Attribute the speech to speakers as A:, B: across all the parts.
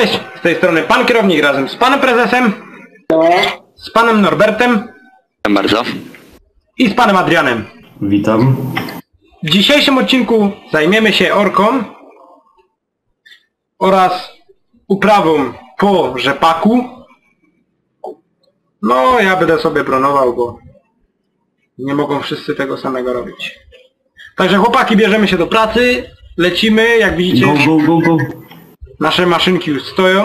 A: Cześć, z tej strony pan kierownik razem z panem prezesem, z panem Norbertem.
B: Witam bardzo.
A: I z panem Adrianem.
C: Witam.
A: W dzisiejszym odcinku zajmiemy się orką oraz uprawą po rzepaku. No, ja będę sobie bronował, bo nie mogą wszyscy tego samego robić. Także chłopaki, bierzemy się do pracy, lecimy, jak widzicie.
C: Go.
A: Nasze maszynki już stoją.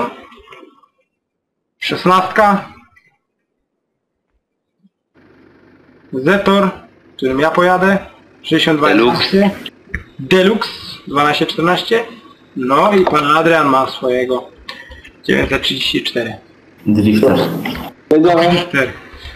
A: 16. Zetor, którym ja pojadę. 6211. Deluxe 1214. No i pan Adrian ma swojego 934.
C: Drifter.
A: Drifter.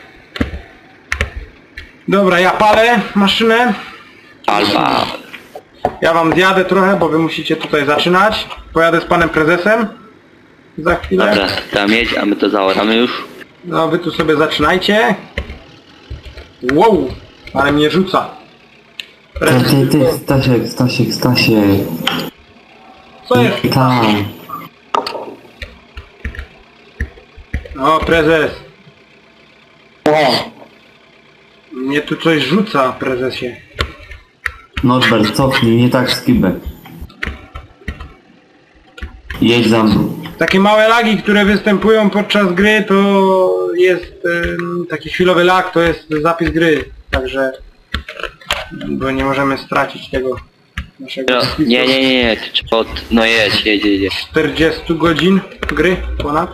A: Dobra, ja palę maszynę.
B: Alba.
A: Ja wam zjadę trochę, bo wy musicie tutaj zaczynać. Pojadę z panem prezesem za chwilę.
B: Dobra, tam jedź, a my to zaoramy już.
A: No wy tu sobie zaczynajcie. Wow, ale mnie rzuca.
C: Ty, Stasiek.
A: Co jest?
C: Tam.
A: O, prezes. Mnie tu coś rzuca, prezesie.
C: Norbert, cofnij, nie tak skibę. Jedź za mną.
A: Takie małe lagi, które występują podczas gry, to jest taki chwilowy lag, to jest zapis gry. Także, bo nie możemy stracić tego naszego
B: No,
A: zapisu.
B: nie, ty trzeba no jedź.
A: 40 godzin gry ponad.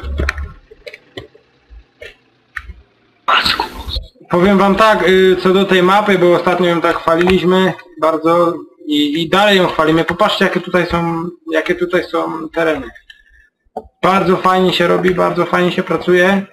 B: Masku.
A: Powiem wam tak, co do tej mapy, bo ostatnio ją tak chwaliliśmy bardzo i dalej ją chwalimy. Popatrzcie, jakie tutaj są tereny. Bardzo fajnie się robi, bardzo fajnie się pracuje.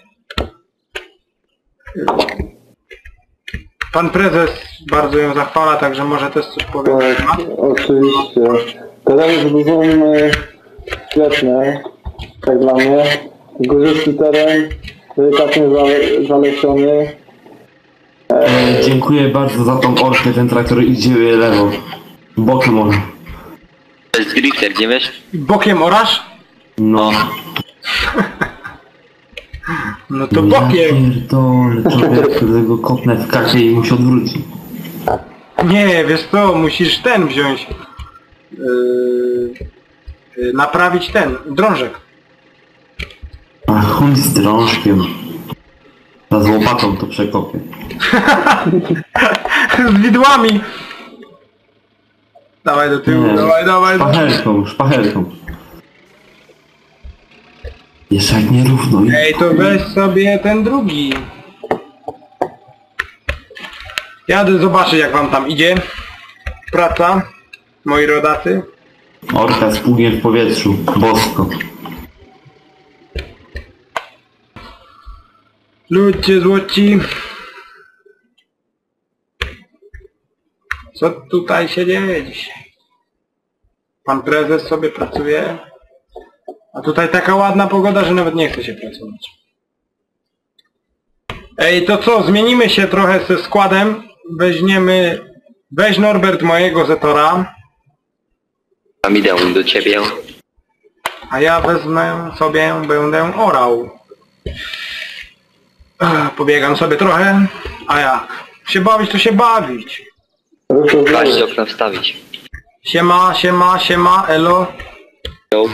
A: Pan prezes bardzo ją zachwala, także może też coś powie.
D: Tak, oczywiście. Tereny są świetne, tak dla mnie. Górzysty teren, delikatnie zalesiony.
C: Dziękuję bardzo za tą orkę, ten traktor idzie lewo. Bokiem może.
B: To jest drifter, gdzie wiesz?
A: Bokiem orasz?
C: No.
A: No to
C: Ja
A: bokiem.
C: pierdolę, człowiek, którego kopnę w kasie i mu się odwróci.
A: Nie, wiesz co, musisz ten wziąć. Naprawić ten, drążek.
C: A chuj z drążkiem. Z łopatą to przekopię.
A: Z widłami. Dawaj do tyłu,
C: Nie,
A: dawaj.
C: Szpachelką. Jeszcze jak nierówno.
A: Ej, to weź sobie ten drugi. Jadę zobaczyć, jak wam tam idzie. Praca, moi rodacy.
C: Orka z pługiem w powietrzu. Bosko.
A: Ludzie złoci. Co tutaj się dzieje dzisiaj? Pan prezes sobie pracuje. A tutaj taka ładna pogoda, że nawet nie chce się pracować. Ej, to co? Zmienimy się trochę ze składem. Weź Norbert mojego Zetora.
B: Tam idę do ciebie.
A: A ja wezmę sobie, będę orał. Pobiegam sobie trochę. A jak? Się bawić, to się bawić.
B: Kaś do okna wstawić.
A: Siema, elo.
B: Yo.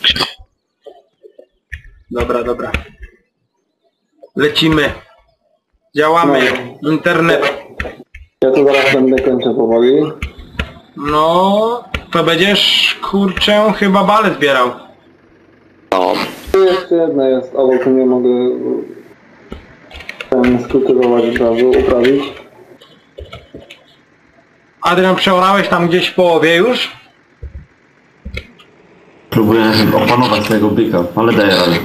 A: Dobra. Lecimy. Działamy. Internet.
D: Ja tu zaraz będę kończył powoli.
A: No, to będziesz, kurczę, chyba bale zbierał.
B: No.
D: Tu jeszcze jedna jest, ale tu nie mogę skultywować od razu, uprawić.
A: Adrian, przeorałeś tam gdzieś w połowie już?
C: Próbuję opanować tego byka, ale daję radę.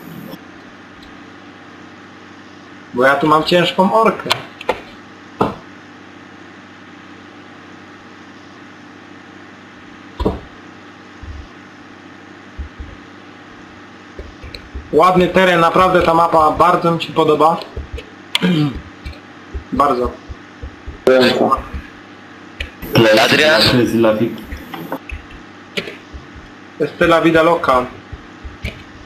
A: Bo ja tu mam ciężką orkę. Ładny teren, naprawdę ta mapa bardzo mi się podoba. Bardzo.
D: Ręka.
B: Adrian?
C: To jest lawik.
A: To jest la vida loca.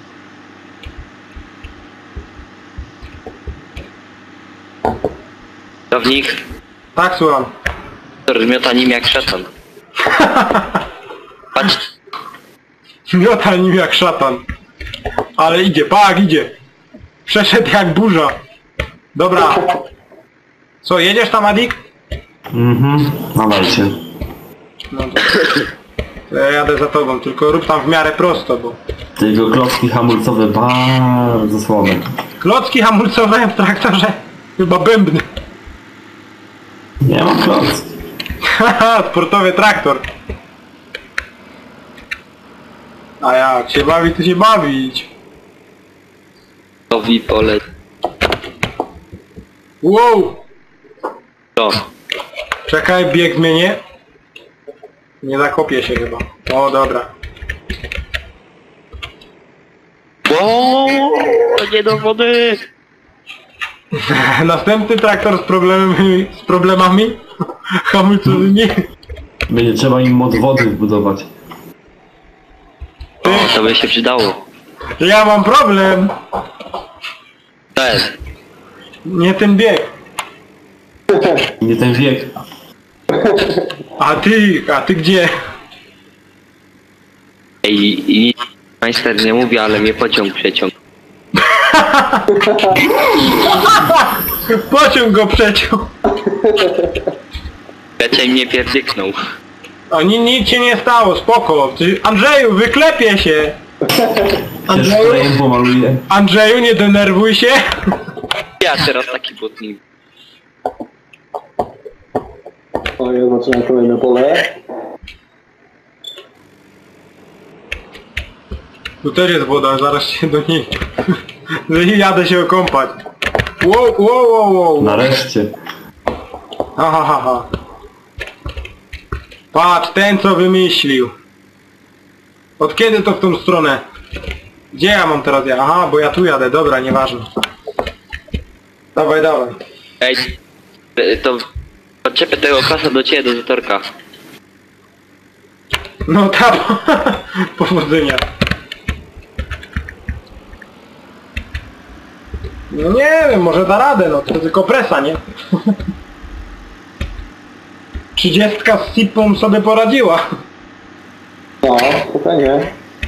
B: Kierownik,
A: Tak, słucham.
B: miota nim jak szatan. Patrz,
A: Miota nim jak szatan. Ale idzie, pak, idzie. Przeszedł jak burza. Dobra. Co, jedziesz tam, Adik?
C: Dawajcie.
A: No to ja jadę za tobą, tylko rób tam w miarę prosto, bo...
C: Tego klocki hamulcowe bardzo słabe.
A: Klocki hamulcowe w traktorze? Chyba bębny.
C: Nie mam kloc.
A: Haha, sportowy traktor. A jak się bawi, to się bawić.
B: nowi pole.
A: Wow!
B: To.
A: Czekaj, bieg zmienię. Nie zakopię się chyba. O, dobra.
B: O, nie do wody!
A: Następny traktor z problemami hamulcowymi.
C: Będzie trzeba im mod wody wbudować.
B: O, to by się przydało.
A: Ja mam problem.
B: To jest.
A: Nie ten bieg.
C: Nie ten wiek.
A: A ty gdzie?
B: I majster nie mówi, ale mnie pociąg przeciąg.
A: Pociąg go przeciął.
B: Raczej mnie pierdyknął.
A: A nic się nie stało, spoko. Andrzeju, wyklepie się.
C: Się szprejem pomaluje.
A: Andrzeju, nie denerwuj się.
B: Ja teraz taki butnik.
D: O, ja zaczynam kolejne pole.
A: Tu też jest woda, zaraz się do niej... Jadę się okąpać. Wow.
C: Nareszcie.
A: Ha. Patrz, ten co wymyślił. Od kiedy to w tą stronę? Gdzie ja mam teraz jechać? Aha, bo ja tu jadę, dobra, nieważne. Dawaj.
B: Ej, to podczepię tego klasa do ciebie, do zatorka.
A: No tam, powodzenia. No nie wiem, może da radę, no to tylko presa, nie? 30 z sipą sobie poradziła.
D: No, spokojnie.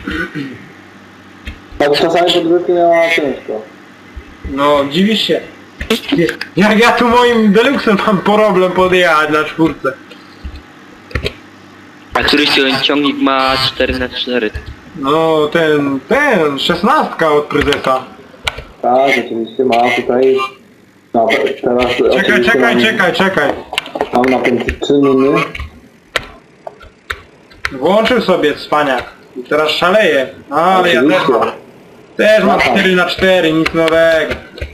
D: Tak czasami podwórki miała ciężko.
A: No, dziwisz się. Jak ja tu moim deluxem mam problem podjechać na czwórce.
B: A któryś ciągnik ma 4x4.
A: No, ten, 16 od prezesa.
D: Tak, oczywiście ma tutaj... No, teraz oczywiście
A: Czekaj.
D: Mam napęd 3 miny.
A: Włączył sobie cwaniak. I teraz szaleje. Ale ja też mam. Też mam 4x4, nic nowego.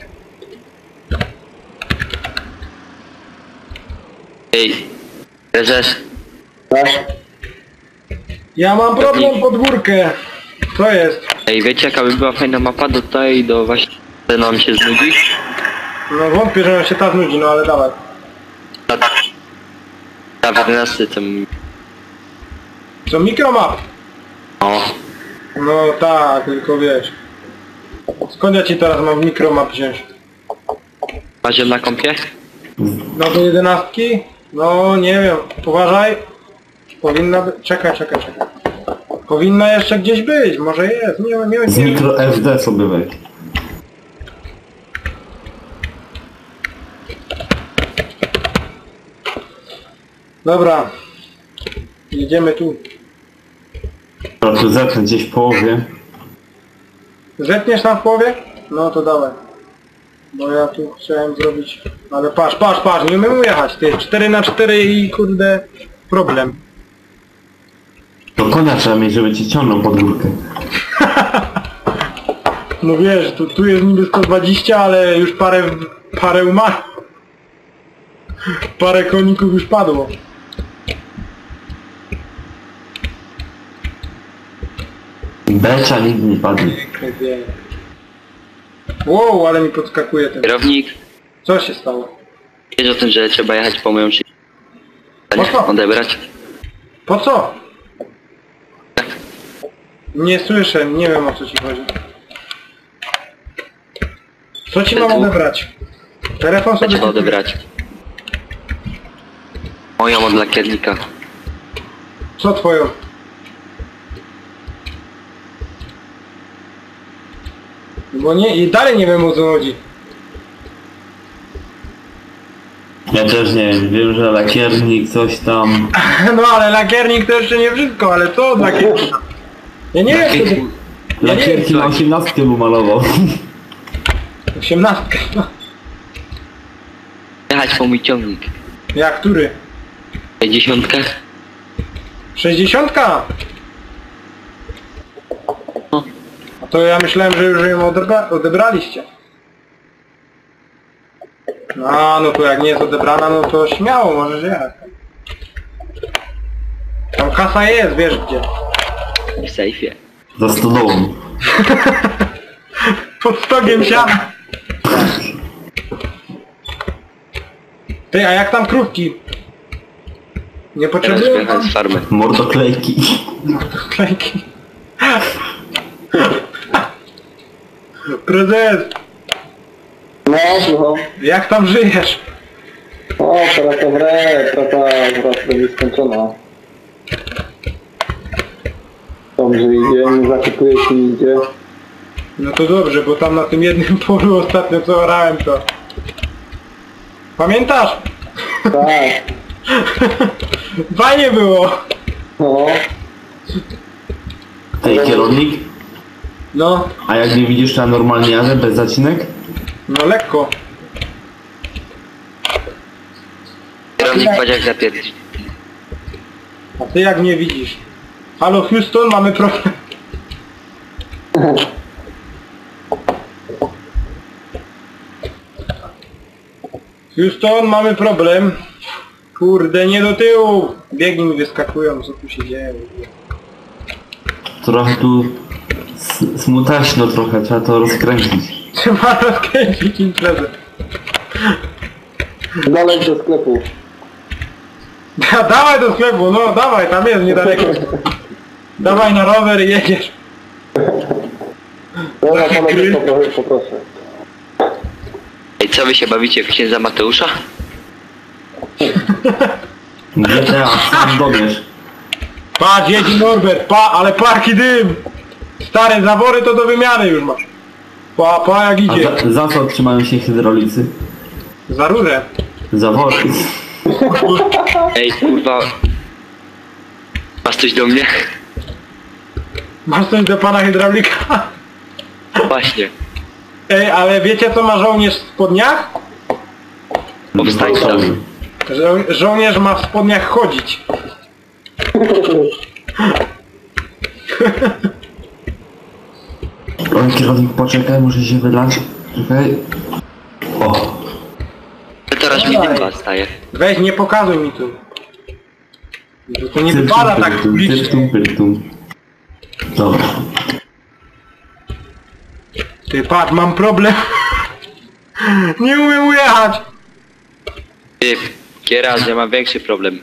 B: Ej, prezes,
D: Tak?
A: Ja mam problem podwórkę. Co jest?
B: ej, wiecie jaka by była fajna mapa do tutaj, do właśnie... nam się znudzi?
A: No wątpię, że się ta znudzi, no ale dawaj.
B: Na 11 tym...
A: Co, mikromap?
B: O,
A: No tak, tylko wiesz. Skąd ja ci teraz mam mikromap wziąć?
B: macie na kompie?
A: No do 11? No nie wiem, uważaj. Powinna być... Czekaj. Powinna jeszcze gdzieś być, może jest, nie
C: Z
A: wiem.
C: mikro SD sobie weź.
A: Dobra. Jedziemy tu.
C: Proszę zetnę gdzieś w połowie.
A: Zetniesz tam w połowie? No to dawaj. Bo ja tu chciałem zrobić... Ale patrz, nie umiem jechać, ty 4x4 i kurde... problem.
C: To konia trzeba mieć, żeby ci ciągnął pod górkę.
A: No wiesz, tu jest niby 120, ale już parę umarło. Parę koników już padło.
C: Becza nigdy nie padnie.
A: Wow, ale mi podskakuje ten.
B: Kierownik,
A: Co się stało?
B: wiesz o tym, że trzeba jechać po moją szyję?
A: Po co?
B: Odebrać?
A: Po co? Nie słyszę, nie wiem o co ci chodzi. Co ci mam odebrać? Telefon sobie...
B: Trzeba odebrać. Moją od lakiernika.
A: Co twoją? Bo nie, i dalej nie wiem o co chodzi.
C: Ja też nie wiem, wiem, że lakiernik coś tam...
A: No ale lakiernik to jeszcze nie wszystko, ale co od lakiernika? Ja nie wiem, co to...
C: Lakierki na 18 mu malował.
A: 18. No.
B: Jechać po mój ciągnik.
A: Jak, który?
B: 50.
A: 60?
B: No.
A: A to ja myślałem, że już ją odebraliście. No to jak nie jest odebrana, no to śmiało możesz jechać. Tam kasa jest, wiesz gdzie.
B: W sejfie.
C: Za stodołą.
A: Pod stogiem siana. Ty, a jak tam krówki? Nie
B: Teraz
A: potrzebują
B: wyjechać z farmy.
C: Mordoklejki.
A: klejki. Prezes,
D: No, słucham.
A: jak tam żyjesz?
D: O, praca praca wraz będzie skończona. Dobrze idzie, nie zakupuje się idzie.
A: No to dobrze, bo tam na tym jednym polu ostatnio co orałem to... Pamiętasz?
D: Tak,
A: Fajnie było!
D: no.
C: Ej, kierownik?
A: No,
C: A jak nie widzisz, to ja normalnie jadę bez zacinek?
A: no lekko.
B: Kierownik jak zapierdzi.
A: A ty jak mnie widzisz? Halo Houston, mamy problem. Houston, mamy problem. Kurde, nie do tyłu. Biegi mi wyskakują, co tu się dzieje.
C: Trochę tu smutaśno trochę, trzeba to rozkręcić.
A: Trzeba rozkręcić imprezę.
D: Dalej do sklepu.
A: Dawaj do sklepu, no dawaj, tam jest niedaleko. Dawaj na rower i jedziesz.
D: Dobra, panowie, poproszę.
B: Ej, co wy się bawicie w księdza Mateusza?
C: GTA, sam dobierz.
A: Patrz, jedzi Norbert, ale parki dym! Stare zawory to do wymiany już masz. Pa jak
C: A
A: idzie.
C: za co trzymają się hydraulicy?
A: Za rurę.
C: Zawory.
B: Ej, kurwa. Masz coś do mnie?
A: Masz coś do pana hydraulika?
B: Właśnie.
A: Ej, ale wiecie co ma żołnierz w spodniach?
B: Powstańca.
A: Żołnierz ma w spodniach chodzić.
C: O, kierownik, poczekaj, muszę się wylać. Czekaj. O,
B: Teraz mi dym staje.
A: Weź, nie pokazuj mi tu. To nie wypada tak publicznie.
C: pyrtum. Dobra.
A: Ty patrz, mam problem. Nie umiem ujechać.
B: Ty, kieraz, ja mam większy problem.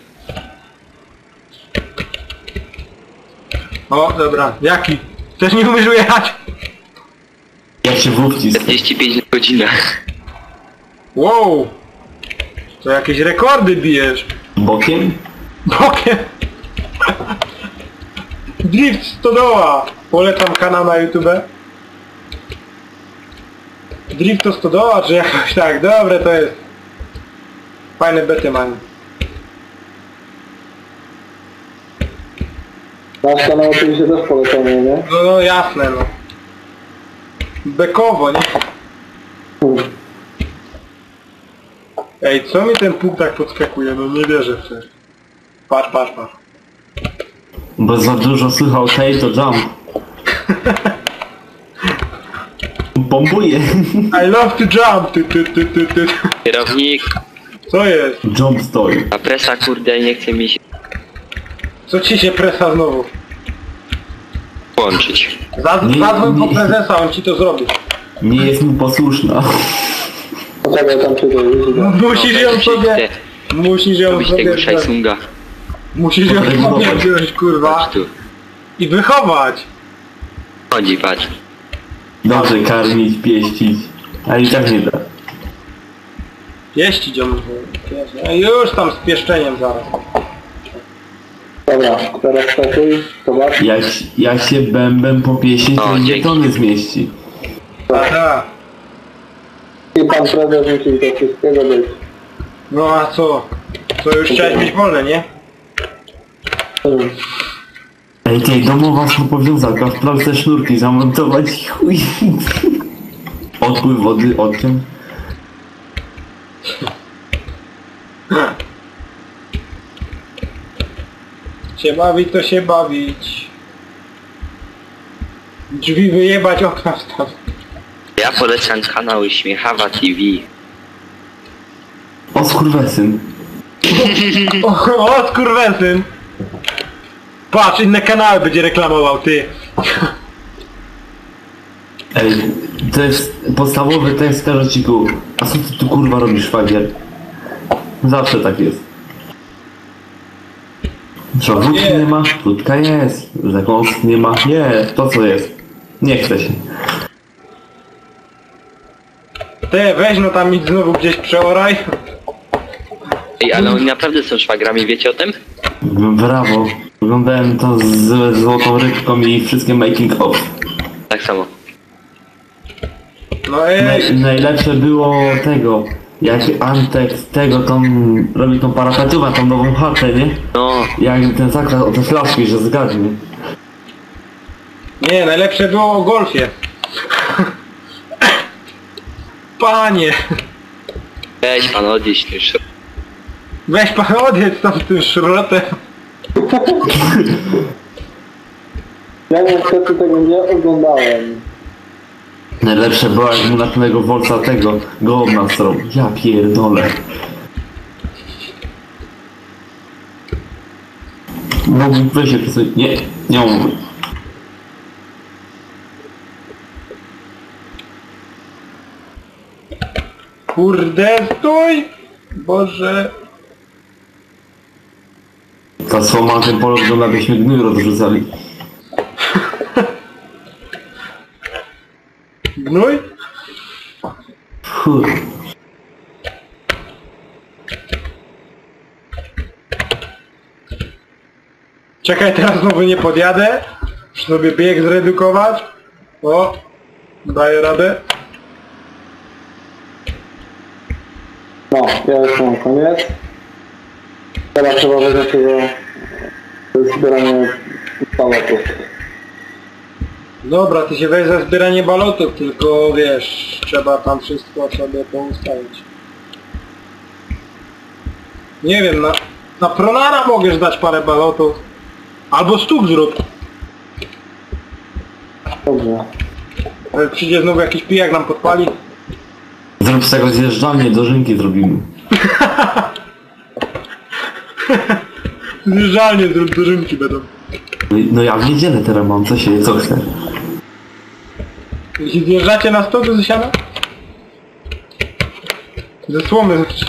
A: O, dobra, jaki? Też nie umiesz ujechać?
C: Jak się w wcisk.
B: 45 na godzinę.
A: Wow. To jakieś rekordy bijesz.
C: Bokiem?
A: Bokiem. Drift Stodoła. Polecam kanał na YouTube. Drift to Stodoła, czy jakoś tak. Dobre to jest. Fajne bety mają.
D: Nasz kanał oczywiście też polecamy, nie?
A: No jasne no. Bekowo, nie? Ej, co mi ten puk tak podskakuje? No nie wierzę w to. Patrz.
C: Bo za dużo słychał hej, to jump. Bombuje.
A: I love to jump. Ty.
B: Kierownik,
A: Co jest?
C: Jump stoi.
B: a presa kurde nie chce mi się
A: Co ci się presa znowu?
B: włączyć.
A: Zadzwoń po prezesa, on ci to zrobi.
C: Nie jest mu posłuszna.
D: Poczekaj, tam się dojedzie.
A: Musisz ją sobie... Musisz ją
B: Robić
A: sobie...
B: tego Shaisunga.
A: Musisz ją sobie wziąć, kurwa.
B: Chodź tu.
A: I wychować.
B: Chodzi, patrz.
C: Dobrze karmić, pieścić. A i tak nie da.
A: Pieścić ją. Już tam z pieszczeniem zaraz.
D: Dobra, teraz stakuj, zobacz.
C: Jak się bębem popieści, to
B: O,
C: nie
B: dzięki.
C: tony zmieści.
A: Tak.
D: I pan prezes musi do wszystkiego być.
A: No a co? Co już chciałeś mieć wolne, nie?
C: Ej, tej domowa powiązanka, wprawdź te sznurki, zamontować i chuj. Odpływ wody, odciąg.
A: Się bawić to się bawić. Drzwi wyjebać, okna wstawić.
B: Ja polecam kanał Śmiechawa TV.
C: O skurwesyn.
A: O skurwesyn! Patrz, inne kanały będzie reklamował, ty.
C: Ej, to jest podstawowy tekst karociku. A co ty tu kurwa robisz, szwagier? Zawsze tak jest. Co, wódki nie ma? Wódka jest. Zakąsk nie ma? Nie, to co jest. Nie chce się.
A: Ty, weź no tam idź znowu gdzieś przeoraj.
B: Ej, ale oni naprawdę są szwagrami, wiecie o tym?
C: Brawo. Oglądałem to z złotą rybką i wszystkie making of.
B: Tak samo.
A: No ej,
C: Najlepsze było tego, jak Antek robi tą parapetówę, tą nową chatę, nie?
B: No,
C: Jak ten zakład o te flaszki, że zgadnie.
A: nie, najlepsze było o golfie. Panie,
B: weź pan odjeść już.
A: weź pan odjedź tam z tym szrotem.
D: Ja niestety tego nie oglądałem.
C: Najlepsze było jak mu na tego Wolca tego gołąbna strą. Ja pierdolę. Mógłbym weź się przesuń. Nie mógłbym.
A: Kurde, stój! Boże.
C: Ta słoma na tym polu wygląda, jakbyśmy gnój rozrzucali.
A: Gnój?
C: Fuh.
A: Czekaj, teraz znowu nie podjadę. Muszę sobie bieg zredukować. O, daję radę.
D: No, ja już mam koniec. Teraz trzeba wejść do zbierania balotów.
A: Dobra, ty się weź za zbieranie balotów, tylko wiesz, trzeba tam wszystko sobie poustawić. Nie wiem, na pronara możesz dać parę balotów. Albo stóp zrób.
D: Dobrze.
A: Ale przyjdzie znowu jakiś pijak nam podpali.
C: Zrób z tego zjeżdżalnię, dożynki zrobimy.
A: Zjeżdżalnie zrób, dożynki będą.
C: No ja w niedzielę teraz mam, co chcę.
A: Jeśli zjeżdżacie na stopy ze siana? Ze słomy znaczy.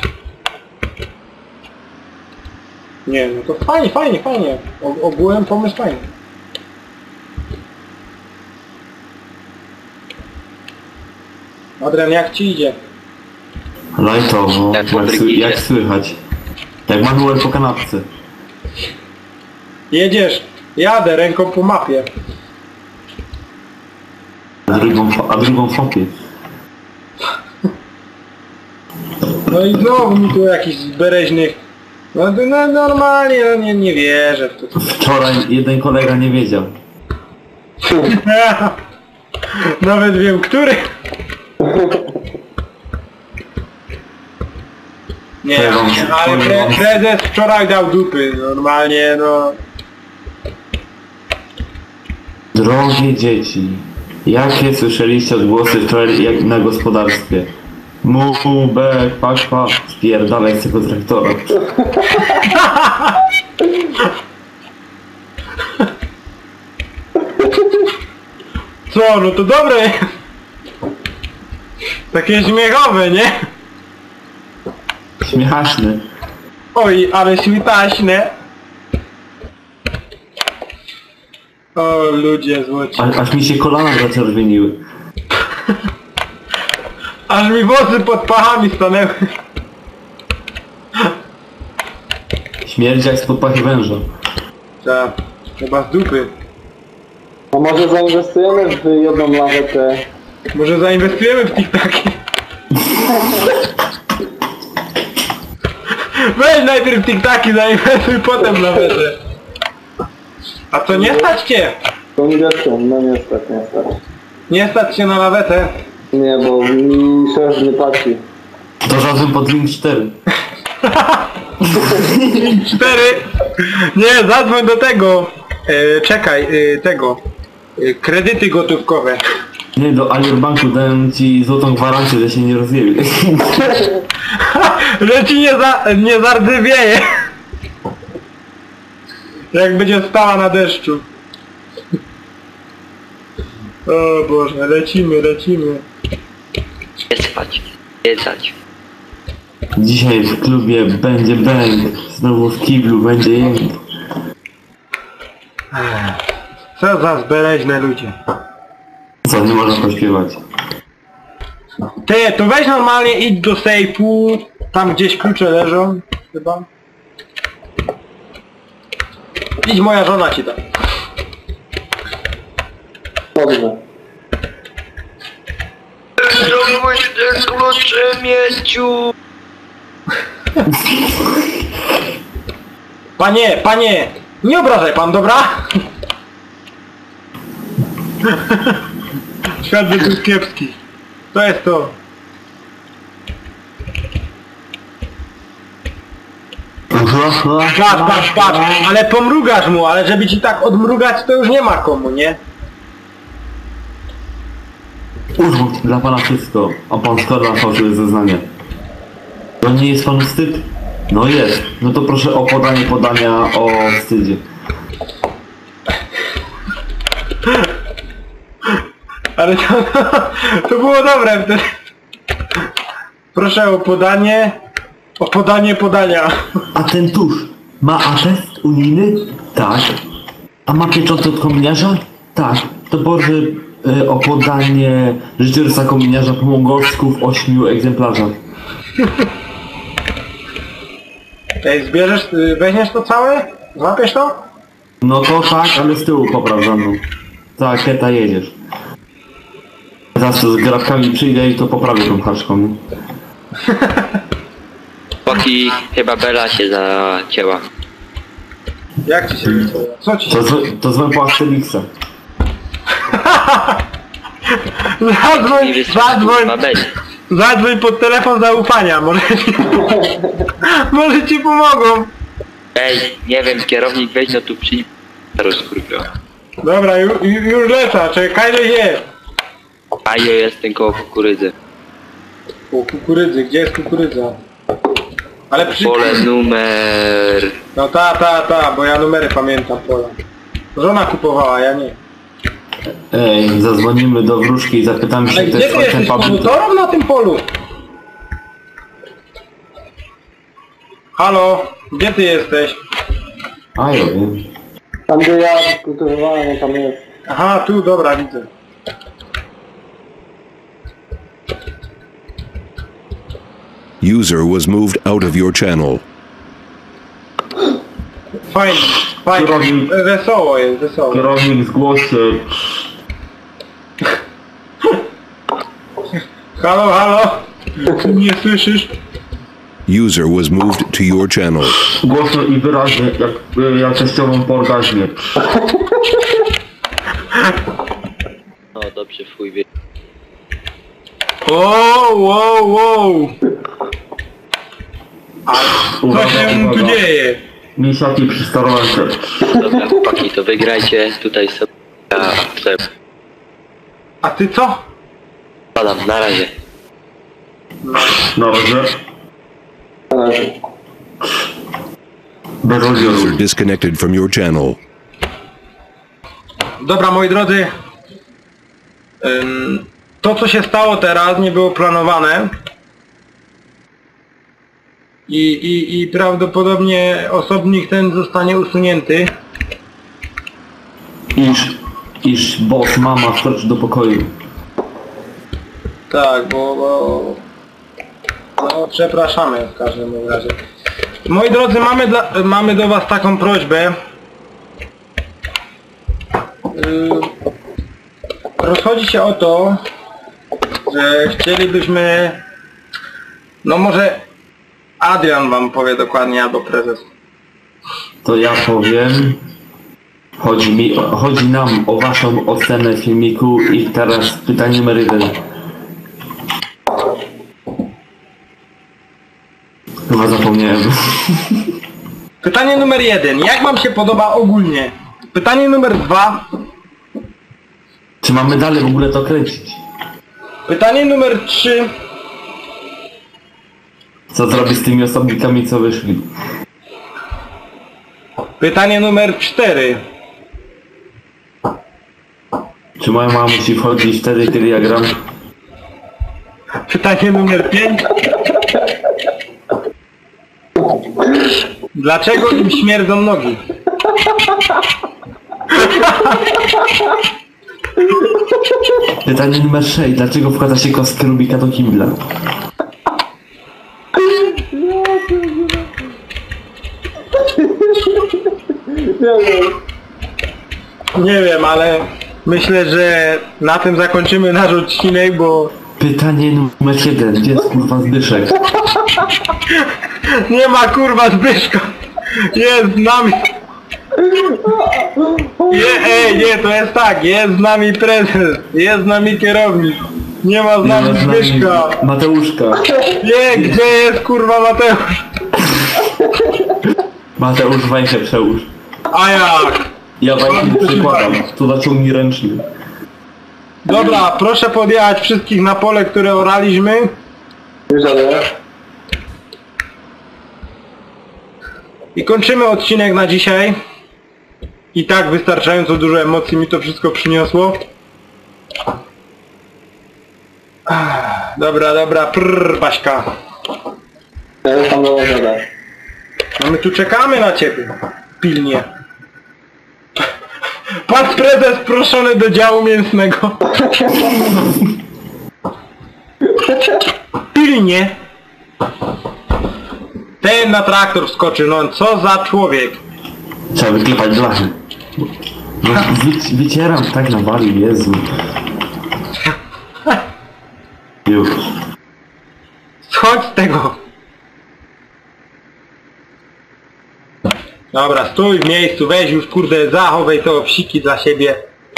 A: Nie, no to fajnie. Ogółem pomysł fajny. Adrian, jak ci idzie?
C: Lajtowo, jak słychać. Jak manuel po kanapce.
A: Jedziesz, jadę ręką po mapie.
C: A drugą fopię.
A: No i znowu mi tu jakiś z bereźnych... No normalnie, no nie wierzę w to.
C: Wczoraj jeden kolega nie wiedział.
A: Nawet wiem, który. Nie, ale prezes wczoraj dał dupy, normalnie, no.
C: Drogie dzieci, jakie słyszeliście odgłosy wczoraj jak na gospodarstwie? Mu, be, pak, spierdalaj z tego traktora.
A: Co, no to dobre. Takie śmiechowe, nie?
C: Śmieszny.
A: Oj, ale śmitaśne. O, ludzie złoci.
C: Aż mi się kolana zaczerwieniły.
A: Aż mi włosy pod pachami stanęły.
C: Śmierdzi jak spod pachy węża.
A: Tak, chyba z dupy.
D: A może zainwestujemy w jedną lawetę?
A: Może zainwestujemy w TikToki? Weź najpierw TikToki, zainwestuj potem nawet. A co, nie stać cię?
D: To nie wiedzą, no nie stać, nie stać.
A: Nie stać się na lawetę?
D: Nie, bo mi szef nie płaci.
C: To razem pod link 4.
A: 4. Nie, zadzwoń do tego. Czekaj, tego. Kredyty gotówkowe.
C: Nie, do Alierbanku dałem ci złotą gwarancję, że się nie rozjewie.
A: Że ci nie zardzewieje. Jak będzie stała na deszczu. O Boże, lecimy.
B: Nie spać, jedzać.
C: Dzisiaj w klubie będzie bang. Znowu w kiblu będzie jęk.
A: Co za zbeleźne ludzie.
C: Co, nie można pośpiewać.
A: Ty, to weź normalnie, idź do sejfu. Tam gdzieś klucze leżą. Chyba. Idź, moja żona ci da.
D: Dobrze.
B: Znowu te klucze, mieciu!
A: Panie, nie obrażaj pan, dobra? Świat jest kiepski. To jest to. Patrz, ale pomrugasz mu, ale żeby ci tak odmrugać, to już nie ma komu, nie?
C: Urząd dla pana wszystko, a pan składa fałszywe zeznanie. To nie jest panu wstyd? No jest. No to proszę o podania o wstydzie.
A: Ale to było dobre wtedy. Proszę o podanie podania.
C: A ten tusz ma atest unijny? Tak. A ma pieczątkę od kominiarza? Tak. To proszę o podanie życiorysa kominiarza po mongolsku w 8 egzemplarzach.
A: Ej, zbierzesz, weźmiesz to całe? Złapiesz to?
C: No to tak, ale z tyłu popraw za mną. Tak, Keta jedziesz. Zaraz z grafkami przyjdę i to poprawię tą haczką. Nie?
B: Chłopaki, chyba Bela się zacięła.
A: Jak ci się wydaje? Co ci się
C: To złem po Asterixa.
A: Zadzwoń pod telefon zaufania, może ci pomogą.
B: Ej, nie wiem, kierownik weź no tu przyjdź. Rozkurwiła.
A: Dobra, już lecę, czekaj, że je.
B: A ja jestem koło kukurydzy.
A: O, kukurydzy, gdzie jest kukurydza? Ale
B: Pole numer...
A: No ta, bo ja numery pamiętam pola. Żona kupowała, ja nie.
C: Ej, zadzwonimy do wróżki i zapytamy się,
A: Ale
C: kto
A: gdzie
C: jest
A: ty jesteś,
C: ojcem
A: panu? To rób na tym polu. Halo, gdzie ty jesteś?
C: A ja wiem.
D: Tam gdzie ja kultywowałem, tam jest.
A: Aha, tu, dobra, widzę.
E: User was moved out of your channel.
A: Fajnie.
C: Kierownik.
A: Wesoło jest, wesoło.
C: Kierownik zgłoś się.
A: Halo, ty mnie słyszysz?
E: User was moved to your channel.
C: Głośno i wyraźnie, jak teściową po orgazmie.
B: No dobrze, fuj wie.
A: Wow. A co się tu dzieje?
C: Misiaki przy starolance.
B: Dobra chłopaki, to wygrajcie tutaj sobie. Ja chcę.
A: A ty co?
B: Padam, na razie.
C: Na razie. Bez odbioru.
E: User disconnected from your channel.
A: Dobra, moi drodzy. To co się stało teraz nie było planowane. I prawdopodobnie osobnik ten zostanie usunięty.
C: Iż boss mama wkroczy do pokoju.
A: Tak, bo no, przepraszamy w każdym razie. Moi drodzy, mamy do was taką prośbę. Rozchodzi się o to, że chcielibyśmy... No może Adrian wam powie dokładnie, albo prezes.
C: To ja powiem. Chodzi nam o waszą ocenę filmiku i teraz pytanie numer 1. Chyba zapomniałem.
A: Pytanie numer 1. Jak wam się podoba ogólnie? Pytanie numer 2.
C: Czy mamy dalej w ogóle to kręcić?
A: Pytanie numer 3.
C: Co zrobić z tymi osobnikami, co wyszli?
A: Pytanie numer 4.
C: Czy moja mama musi wchodzić wtedy, kiedy ja gram?
A: Pytanie numer 5. Dlaczego im śmierdzą nogi?
C: Pytanie numer 6. Dlaczego wkłada się kostkę Rubika do kibla?
A: Nie wiem, ale myślę, że na tym zakończymy nasz odcinek, bo
C: Pytanie numer 1. Gdzie jest kurwa Zbyszek?
A: nie ma kurwa Zbyszka. Jest z nami. Nie, to jest tak, jest z nami prezes, jest z nami kierownik. Nie ma z nami Zbyszka.
C: Mateuszka.
A: Nie, gdzie jest kurwa Mateusz?
C: Mateusz, wajchę przełóż.
A: A jak?
C: Ja wajchę nie przykładam. To zaciągnij ręczny.
A: Dobra, proszę podjechać wszystkich na pole, które oraliśmy.
D: Już ale.
A: I kończymy odcinek na dzisiaj. I tak wystarczająco dużo emocji mi to wszystko przyniosło. Dobra, Baśka.
D: Ja już tam dołożę.
A: No my tu czekamy na ciebie. Pilnie. Pan prezes proszony do działu mięsnego. Pilnie. Ten na traktor wskoczył, no co za człowiek.
C: Trzeba wyklepać blachy. No, wycieram tak na wali, Jezu. Już.
A: Schodź z tego. Dobra, stój w miejscu, weź już kurde, zachowaj te obsiki dla siebie.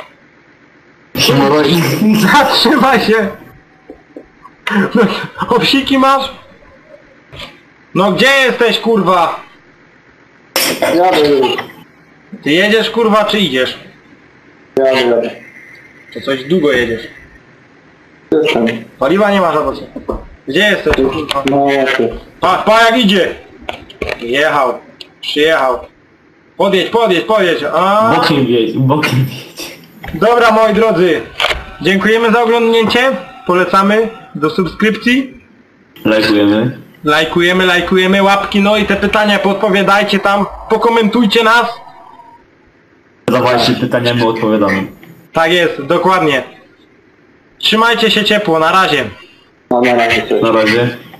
A: Zatrzymaj się! No, obsiki masz? No gdzie jesteś kurwa?
D: Jadę już.
A: Ty jedziesz kurwa czy idziesz?
D: Jadę.
A: To coś długo jedziesz.
D: Jestem.
A: Paliwa nie masz albo co? Gdzie jesteś kurwa?
D: No właśnie.
A: Pa jak idzie! Jechał. Przyjechał. Podjedź. A.
C: Bokiem jedź.
A: Dobra moi drodzy. Dziękujemy za oglądnięcie. Polecamy do subskrypcji. Lajkujemy, łapki, no i te pytania podpowiadajcie tam, pokomentujcie nas.
C: Zadawajcie pytania, my odpowiadamy.
A: Tak jest, dokładnie. Trzymajcie się ciepło, na razie.
D: No na razie. Cześć.
C: Na razie.